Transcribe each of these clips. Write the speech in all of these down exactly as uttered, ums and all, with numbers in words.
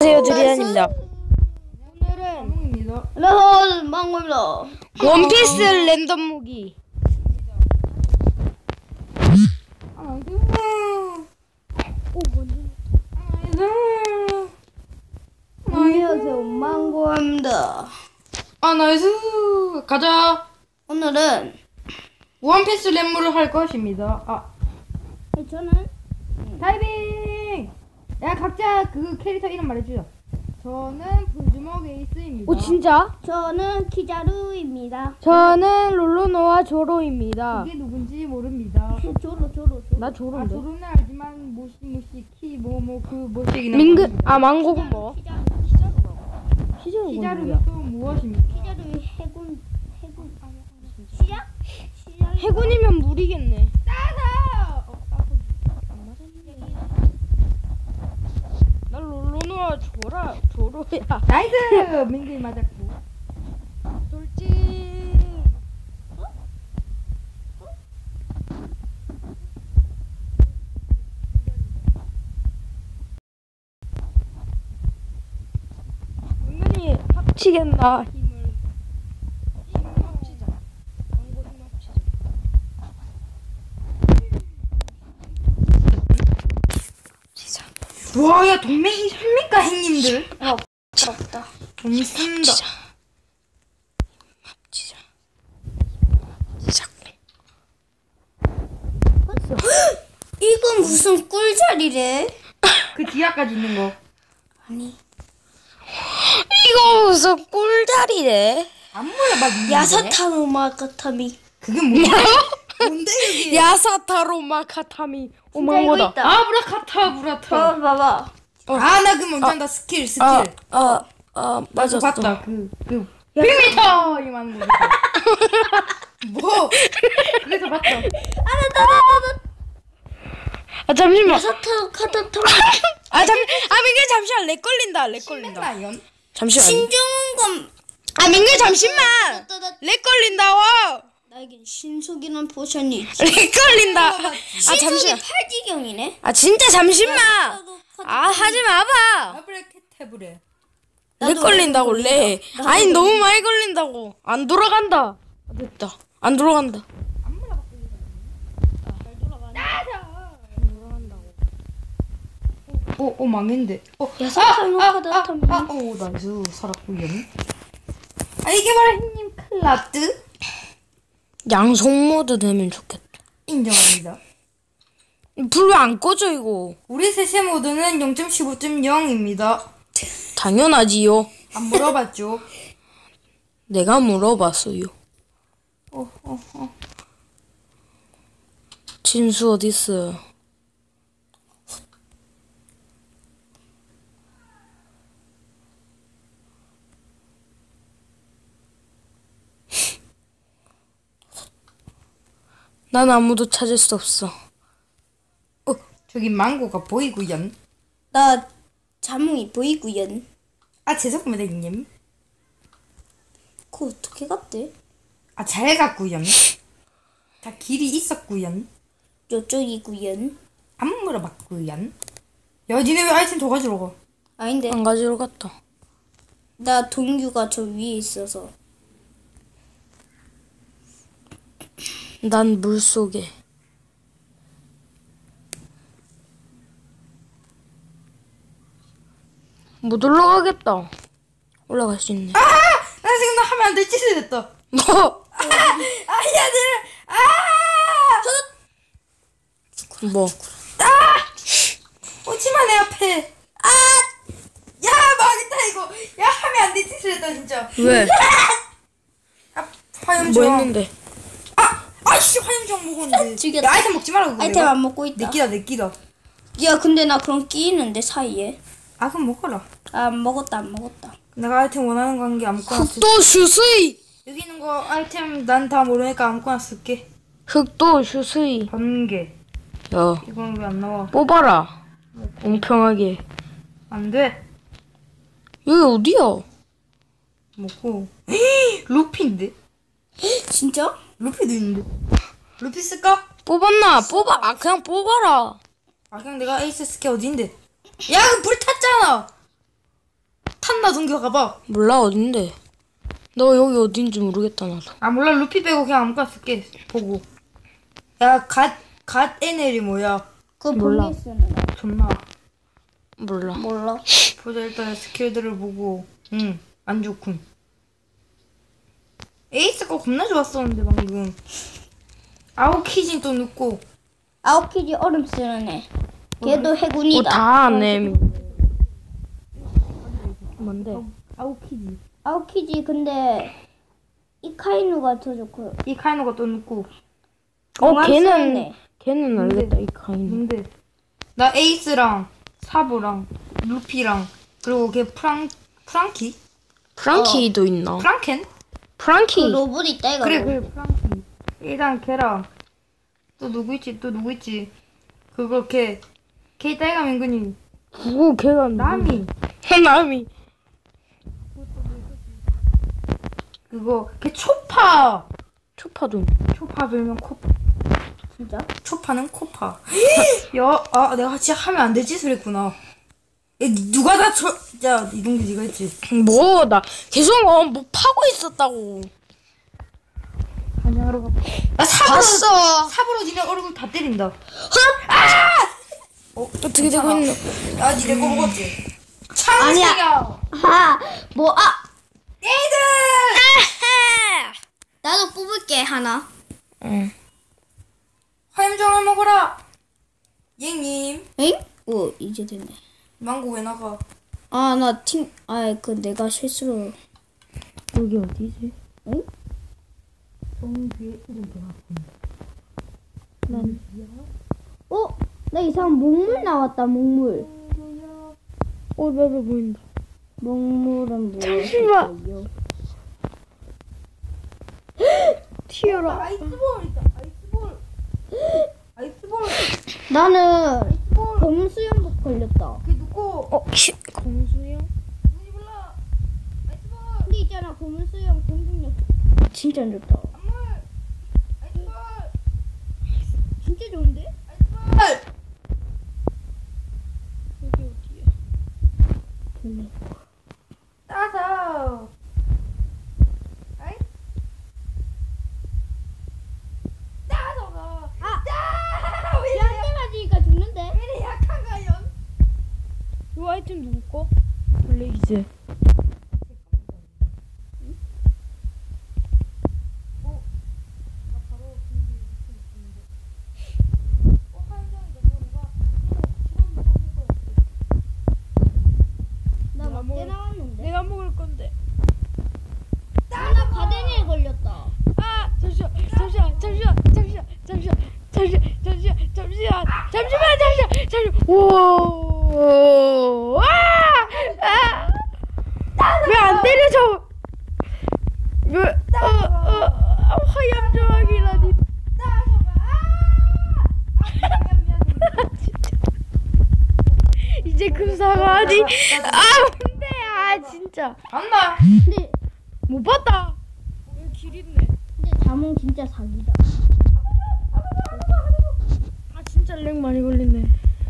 안녕하세요, 드리안입니다. 오늘은 안녕하세요, 망고입니다. 원피스 랜덤 무기. 안녕하세요, 망고입니다. 아 나이스 가자. 오늘은 원피스 랩물을 할 것입니다. 아 저는 다이빙. 야 각자 그 캐릭터 이름 말해주자. 저는 불주먹 에이스입니다. 오, 진짜? 저는 키자루입니다. 저는 롤로노와 조로입니다. 이게 누군지 모릅니다. 조로 조로 조로. 나 아 조로인데? 조로는 알지만 모시모시 키 뭐 뭐 그 뭐시기나. 민그, 아, 망고는 뭐? 키자루 키자루라고. 시즌은 뭐야? 키자루는 또 무엇입니까? 키자루 해군 해군 시작 시작. 해군이면 물이겠네. 따다. 어, 따다. 난 롤로노와 조라, 조로야. 나이스. 민규이 맞았고. 돌진. 은근히 합치겠나 힘을. 힘을 합치자. 망고 힘 합치자. 합치자. 와야 동맹이 삽니까 행님들? 어 부럽다. 돈 쓴다. 합치자. 시작. 이건 무슨 꿀자리래? 그 뒤야까지 있는 거. 아니 이거 무슨 꿀다리래? 안 물어봐. 야사타노 마카타미. 그게 뭐야? 뭔데 이게? 야사타로 마카타미. 오, 진짜 이거 망고다. 있다. 아 브라카타 브라타. 봐봐 봐봐. 아 나 그 먼저 한다 스킬 스킬. 아, 아, 아, 나 맞았어. 그거 봤다. 그그 백 미터 이만 거. 뭐? 그래서 봤다. 아, 잠시만. 야사타노 카타타미. 아, 잠, 아, 민규 잠시만. 렉 걸린다. 렉 걸린다. 라이언. 잠시만. 신중검. 아, 민규 잠시만. 렉 걸린다. 와. 나에겐 신속이란 포션이 있지. 렉 걸린다. 아, 신속이 잠시만. 팔지경이네. 아, 진짜 잠시만. 아, 하지 마봐. 아브라케테브레. 렉 걸린다고, 렉. 아니, 너무 많이 걸린다고. 안 돌아간다. 아, 됐다. 안 돌아간다. 어, 어 망했는데. 어, 야사타노 카타타미. 아, 오 나이스 살았구요. 아 이게 바로 형님 클라드 양손 모드 되면 좋겠다. 인정합니다. 불 왜 안 꺼져, 이거? 우리 셋의 모드는 영 점 십오 점 영입니다. 당연하지요. 안 물어봤죠? 내가 물어봤어요. 어, 어, 어. 진수 어딨어? 난 아무도 찾을 수 없어. 어, 저기 망고가 보이구연. 나 자몽이 보이구연. 아 죄송합니다 형님. 그거 어떻게 갔대? 아 잘 갔구연. 다 길이 있었구연. 요쪽이구연. 안 물어봤구연. 야 니네 왜 아이템 더 가지러 가? 아닌데. 안 가지러 갔다. 나 동규가 저 위에 있어서. 난 물속에. 못 올라가겠다. 올라갈 수 있네. 아! 나 지금 나 하면 안 될 짓을 했다. 뭐? 아! 아야들! 아! 뭐? 아! 오지마 내 앞에. 아! 야 망했다 이거. 야 하면 안 될 짓을 했다 진짜. 왜? 아 화염 뭐 좀. 했는데? 아! 아이씨 화염정 먹었는데. 죽였다. 야 아이템 먹지 말라고 그래. 아이템 안 먹고 있다. 내 끼다 내 끼다. 야 근데 나 그럼 끼는데 사이에. 아 그럼 먹어라. 아, 안 먹었다 안 먹었다. 내가 아이템 원하는 거 한 게 아무거나 쓸. 흑도 슈스이. 여기 있는 거 아이템 난 다 모르니까 아무거나 쓸게. 흑도 슈스이. 번개. 야, 이건 왜 안 나와? 뽑아라. 공평하게. 안 돼. 여기 어디야? 먹고. 루피인데? 진짜? 루피도 있는데. 루피 쓸까? 뽑았나? 뽑아. 아, 그냥 뽑아라. 아 그냥 내가 에이스 스킬 어딘데? 야 그 불 탔잖아. 간다 동규 가봐. 몰라 어딘데. 너 여기 어딘지 모르겠다 나도. 아 몰라 루피 빼고 그냥 아무거나 쓸게 보고. 야갓갓 에넬이 뭐야? 그 몰라. 보니스는 존나. 몰라. 몰라. 보자 일단 스킬들을 보고. 응 안 좋군. 에이스 거 겁나 좋았었는데 방금. 아오키진 또 눕고. 아오키지 얼음 쓰는 애. 걔도 해군이다. 뭐다 아네. 뭔데? 아오키지. 아오키지 근데 이카이누가 더 좋고. 이 카이노가 또 눕고. 어 공항 쓰는 걔는 애. 걔는 알겠다 이 카인. 뭔데? 나 에이스랑 사보랑 루피랑 그리고 걔 프랑 프랑키? 프랑키도 있나? 프랑켄? 그 프랑키. 로봇 있다 이거. 그래 그래 프랑키. 일단 걔랑 또 누구 있지? 또 누구 있지? 그거 걔 걔 딸가 민근이 누구 걔가 남이 남이. 그거 걔 초파. 초파도. 초파 별명 코파. 진짜? 초파는 코파. 야, 아 내가 진짜 하면 안 될 짓을 했구나. 야, 누가 다 쳐? 야 이동규 네가 했지. 뭐 나 계속 어, 뭐 파고 있었다고. 반영하러 가. 나 삽으로 봤어. 삽으로 니네 얼굴 다 때린다. 어, 어떻게 되고 있노? 야, 니네 거 먹었지? 창식이야. 아, 뭐, 아! 얘들! 나도 뽑을게, 하나. 응. 화염정을 먹어라. 얘님. 에잉? 오, 이제 됐네. 망고 왜 나가? 아, 나 팀, 아, 그 내가 실수로. 여기 어디지? 응? 정규의 이름 들어갔습니다. 난 어? 나 이상한 목물 나왔다, 목물. 어 나도 보인다. 목물은 뭐? 잠시만. 튀어라. 아이스볼 있다. 아이스볼. 아이스볼. 나는 검은 수염복 걸렸다. 걔 누구? 어 키. 공수야? 누군지 몰라. 아이스볼. 근데 있잖아, 검은 수염 공격력 진짜 안 좋다. 안물. 아이스볼. 진짜 좋은데? 아이스볼. 여기 어디야? 몰라. 따서. 아이. 따서가. 아! 따. 왜 이래? 한 대 맞으니까 죽는데? 왜 이래 약한가 연? 이 아이템 누구 거? 블레이즈. 나 막대 나왔는데. 내가 먹을 건데. 나 가데니에 걸렸다. 아 잠시만 잠시만 잠시만 잠시만 잠시만 잠시만 잠시만 잠시만 잠시만 잠시만 잠시만 오. 아왜안 때려줘? 왜어어 화염 조각이라니. 이제 그 사과하니. 아 뭔데 아 진짜 안나. 근데, 못 봤다. 여기 길 있네. 근데 자몽 진짜 사기다. 아 진짜 렉 많이 걸리네.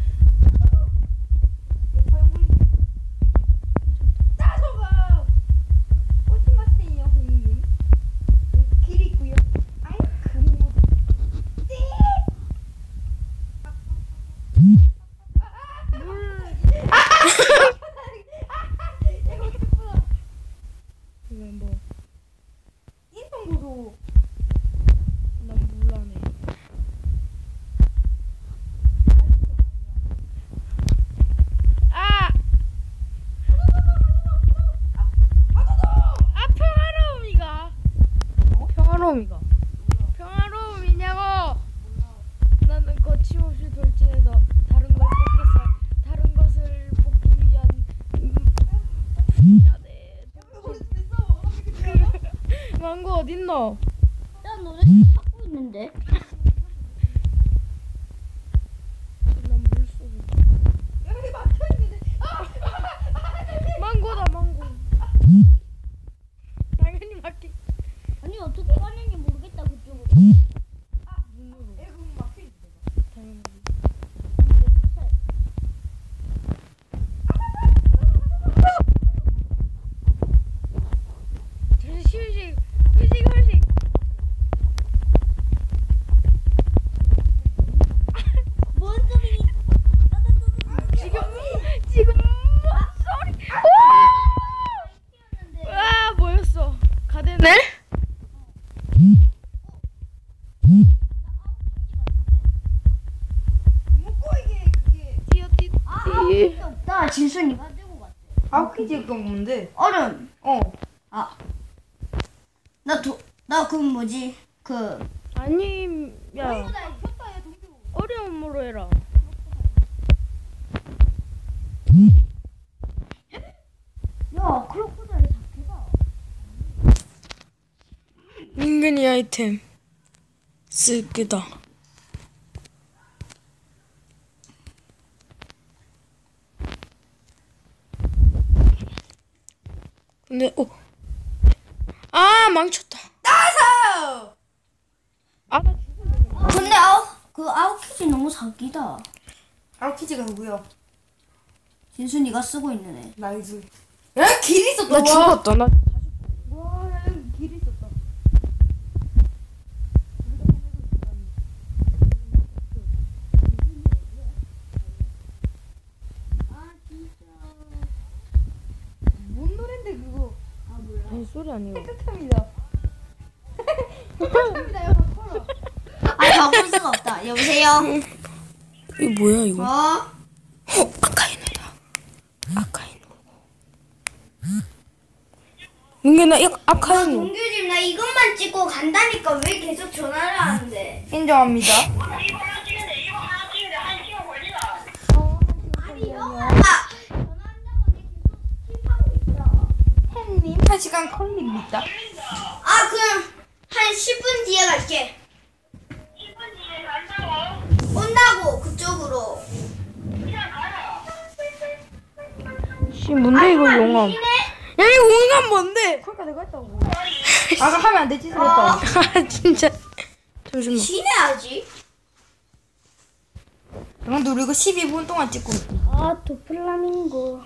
따서가. 오시마세요 형님. 길 있고요. 아이 그모. 띠. 왜 뭐? 인성구도. 난 몰라네. 아! 아 평화로움이가. 어? 평화로움이가. 평화로움이냐고. 나는 거침없이 돌진해서 다른 걸 뽑겠어. 다른 것을 뽑기 위한. 음, 미안해. 망고 어딨노? 나 노래 찾고 있는데. 난 물속에. 여기 막혀 있는데. 망고다 망고. 당연히 맞게. 아니, 어떻게 가는지 모르겠다, 그쪽으로. 여기 막혀 있는데. 당연히. 네? 먹고 이게 그게 뛰어 뛰어. 아, 아웃키지 없다. 진순이가 들고 갔대. 아웃키지 그건 뭔데? 얼음. 어. 아, 나 도, 나 그 뭐지? 그 아니 야 어려움으로 해라. 야, 크로코다일 자켓아. 민근이 아이템 쓸기다. 근데 오. 아 망쳤다. 나서. 아 나 죽을래. 근데 아웃 그 아웃키지 너무 사기다. 아웃키지가 누구야? 진순이가 쓰고 있는 애. 나이스. 야, 길 있었다. 나 와. 죽었다. 나 와, 야, 여기 길 있었다. 뭔 노랜데 그거? 아니 소리 아니고. 깨끗합니다. 깨끗합니다. 야, 바꿔라. 아, 바꿀 수가 없다. 여보세요. 이거 뭐야 이거? 어? 어 아카이누다. 아카이누. 민근아 이거 아카이누. 동규집 나 이것만 찍고 간다니까 왜 계속 전화를 하는데? 인정합니다. 아니 영아가 전화한다고 내 계속 킵하고 있어. 햇님 한 시간 걸립니다. 아 그럼 한 십 분 뒤에 갈게. 십 분 뒤에 간다고? 온다고 그쪽으로. 씨 뭔데 이거 용암? 야 이거 용암 뭔데? 그러니까 내가 했다고. 아까 하면 안 될 짓을 했다고. 아 진짜. 잠시만. 쉬내야지. 그럼 누리고 십이 분 동안 찍고 있고. 아 도플라밍고.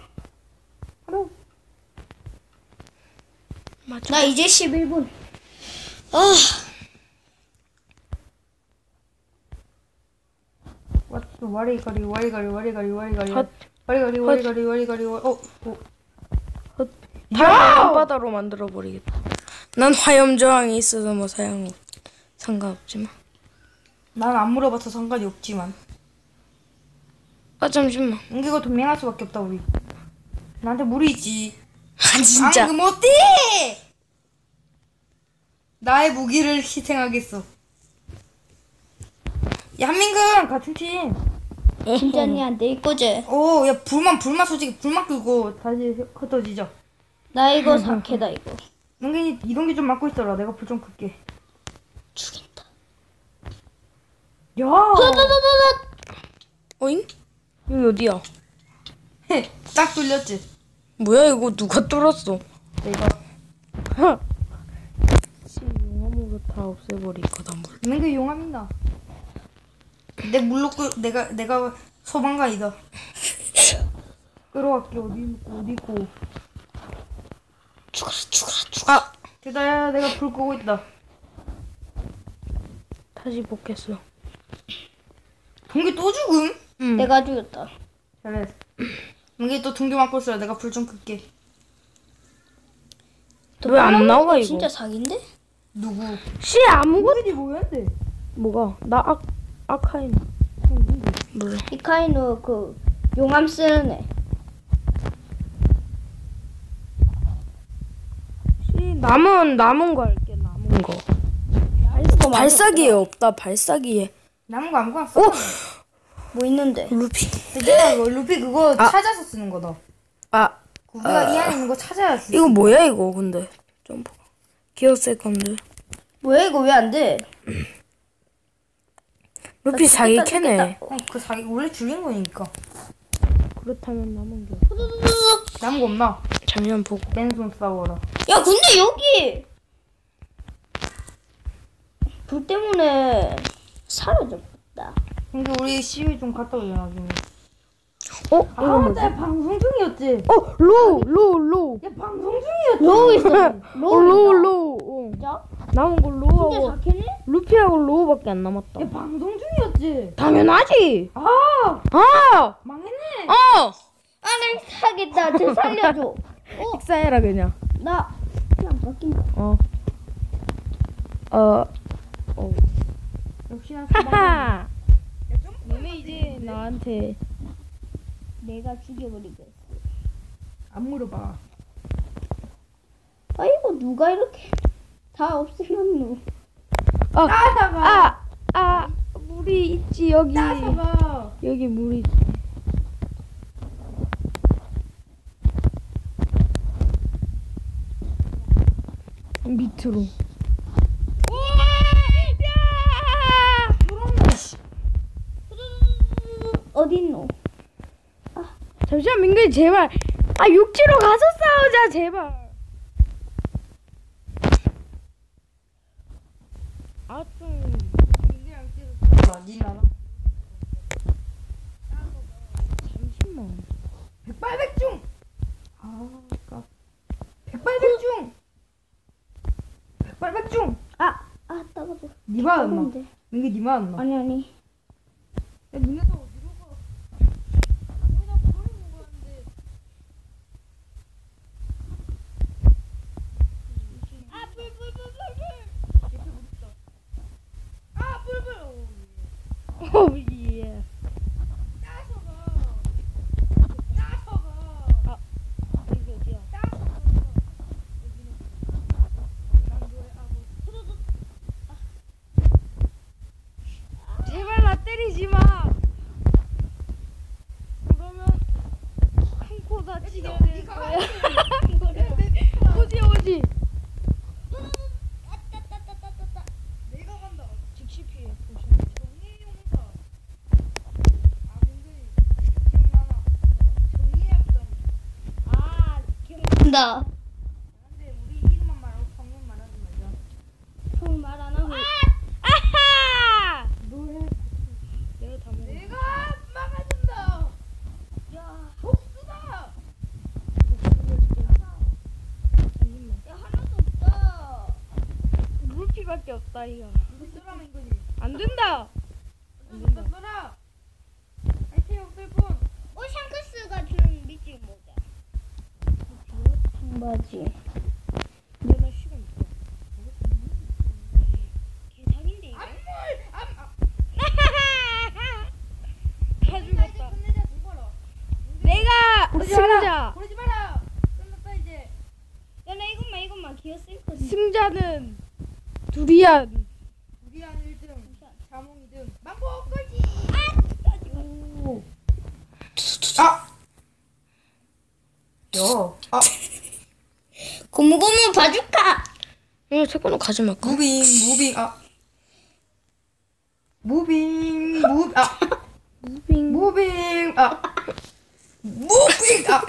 맞아. 나 이제 십일 분. 아. 왓츠 와리가리 와리가리 와리가리 와리가리 헛. 와리가리 와리가리 와리가리 와- 어? 어? 헛. 다 바다로 만들어 버리겠다. 난 화염 저항이 있어서 뭐 사용 상관없지만. 난 안 물어봐서 상관이 없지만 아 잠시만. 은기가 동맹할 수밖에 없다 우리. 나한테 무리지. 아 진짜. 앙금 어때? 나의 무기를 희생하겠어. 야 한민근 같은 팀. 팀장님한테 이거지. 오, 야 불만 불만 솔직히 불만 끄고 다시 흩어지자. 나 이거 사케다 이거. 은근히 이런 게 좀 맡고 있어라. 내가 불 좀 끌게. 죽인다. 야. 어잉? 여기 어디야? 딱 뚫렸지. 뭐야 이거 누가 뚫었어? 내가. 씨 용암으로 다 없애버릴 거다 뭘. 은근 용암이다. 내 물로 끌 내가 내가 소방관이다. 끌어갈게. 어디 있고 어디 있고. 죽어라 죽어라 죽어. 아 됐다. 야 내가 불 끄고 있다. 다시 복했어. 동기 또 죽음? 응. 내가 죽였다. 잘했어. 동기 또 동기 맡고 있어라. 내가 불 좀 끌게. 왜 안 나와 이거? 진짜 사기인데? 누구? 씨 아무것도. 은근히 뭐였는데? 뭐가? 나 아, 아카인. 몰라. 이카이누 그 용암 쓰는 애. 씨 남은 남은 거 할게 남은 거. 발사기에 없다 발사기에. 남은 거 아무거나 써. 오 뭐 있는데? 루피. 내가 그거 루피 그거 아. 찾아서 쓰는 거다. 아 우리가 이 안에 있는 거 찾아야 돼. 이거 뭐야 이거 근데 점프. 기어 세컨드. 뭐야 이거 왜 안 돼? 루피 사기 죽겠다, 캐네. 어, 그 자기 원래 죽인 거니까. 그렇다면 남은 게. 남은 거 없나? 잠시만 보고. 맨손 싸워라. 야 근데 여기 불 때문에 사라졌다. 근데 우리 시위 좀 갔다 오자 나중에. 어? 아, 이거 뭐지? 나 방송 중이었지. 어 로우 로우 로우. 야 방송 중이었지. 로우 있어. 어, 로우 로우. 어. 진짜? 남은 거 진짜 로우하고 사케네? 루피하고 로우밖에 안 남았다. 야 방송 중이었지. 당연하지. 아 아. 망했네. 어. 아나 사겠다. 저 살려줘. 어? 식사해라 그냥. 나 그냥 바뀐다. 어. 어. 어. 역시나 하하. 좀 너네 이제 나한테 내가 죽여버리겠어. 안 물어봐. 아이고 누가 이렇게 다 없애놨노. 아, 따사가. 아, 아, 물이 있지 여기. 따사가. 여기 물이 있지. 밑으로. 어딨노? 잠시만 민규 제발. 아 육지로 가서 싸우자 제발. 아 좀. 니 나나. 잠시만. 백발백중. 아, 아까. 백발백중. 백발백중. 아, 아 따가워. 니 맞았나? 따가운데. 민기 니 맞았나? 아니 아니. 야, 니네도 어디로 가? 우리가 부르는 거였는데. 아 불불불불불. 이렇게 무섭다. 아, 불불. 오 예. 따서가. 따서가. 아 여기 어디야? 따서가. 여기는. 난 너의 아버. 제발 나 때리지 마. 그러면 큰 코 다치게 될 거야. 오지 오지. 따따따따따따. 내가 간다. 즉시 피해. 정리 용사. 아, 민근이. 기억나나? 정리했던. 아 기억난다. 근데 우리 이름만 말하고 성명 말하지 말자. 형 말 안 하고. 아하! 뭘 내가 다 먹어. 내가 막아준다. 야, 복수다. 잠시만. 야 하나도 없다. 물피밖에 없다 이거. 이거 쓰라 민근이. 안 된다. 좀 이따 써라. 아이템 없을 뿐. 어 샹크스가 주는 미지 모자. 청바지. 근데 나 시간 없어. 개사기인데 이거. 안물. 안. 아. 다 나 이제 죽었다. 끝내자 죽어라. 내가 고르지 마라. 승자. 고르지 마라. 끝났다 이제. 야 나 이것만 이것만 기어 쓸 거지. 승자는 두리안. 우리 한 일 등. 자몽 이 등. 망고 꼴찌. 오. 아. 여. 아. 고무고무 바주카. 이거 태권도 가지 말까? 무빙 무빙 아. 무빙 무 아. 무빙. 무빙 아. 무빙 아.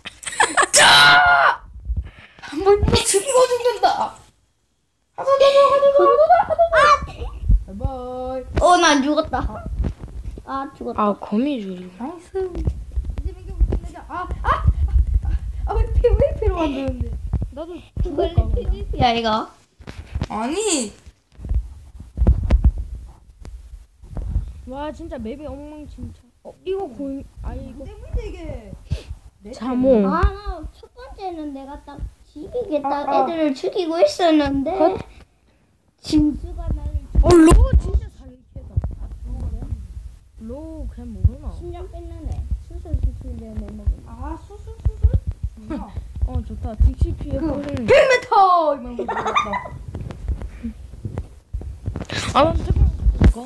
자. 한번 죽이고 죽는다. 하나 더 하나 더 하나 더. 바이바이. 어나 죽었다. 아 죽었다. 아 거미줄. 나이스. 이제 민규 우리 끝내자. 아 아. 아왜 피 왜 피로 만드는데? 나도 그걸 죽을까? 야 이거. 아니. 와 진짜 맵이 엉망진창. 어 이거 고인 아 이거 때문에 이게. 내 자몽. 아 나 첫 번째는 내가 딱 지기겠다 아, 아. 애들을 죽이고 있었는데 컷. 진수가 나를 어 로우 진짜 잘캐다. 로우 그냥 모르나? 심장 뺏는 수술 수술 내가 먹은. 아 수술 수술. 어 좋다. 딕시 피해 그 버리는. 백 미터 이만 거 들었다. 아난 잠깐 이거.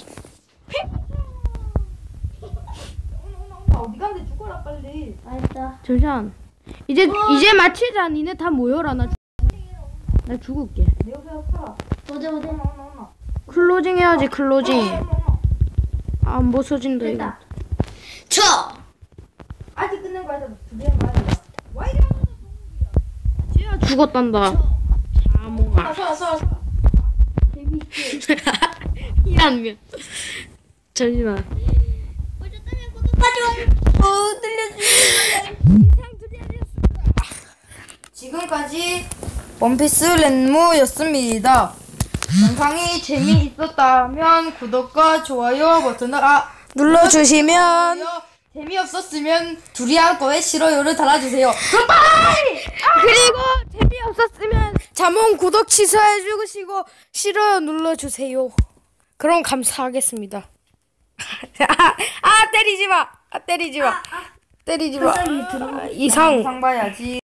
오나 오나 오나 어디 가는데 죽어라 빨리. 알았다. 잠시만. 이제 이제 마치자. 니네 다 모여라. 나, 나 죽을게. 내 옆에 살아. 어디 어디. 오나 오나 오나. 클로징 해야지 클로징. 오나 오나. 안 벗어진다 이거. 됐다. 저. 아직 끝낸 거 아니야. 두개만 가야 돼. 와 이리 와. 쟤야 죽었단다. 자몽아. 서 서. 재밌지. 미안 미안. 잠시만. 어쨌든 구독하지 마. 어 들려주세요. 이상 두리안이었습니다. 지금까지 원피스 렌무였습니다. 영상이 재미있었다면 구독과 좋아요 버튼을 아 눌러주시면 재미없었으면 두리안 거에 싫어요를 달아주세요. 그럼 빠이! 그리고 재미없었으면 자몽 구독 취소해 주시고 싫어요 눌러주세요. 그럼 감사하겠습니다. 아, 아 때리지 마. 아 때리지 마. 때리지 마. 이상. 상 봐야지.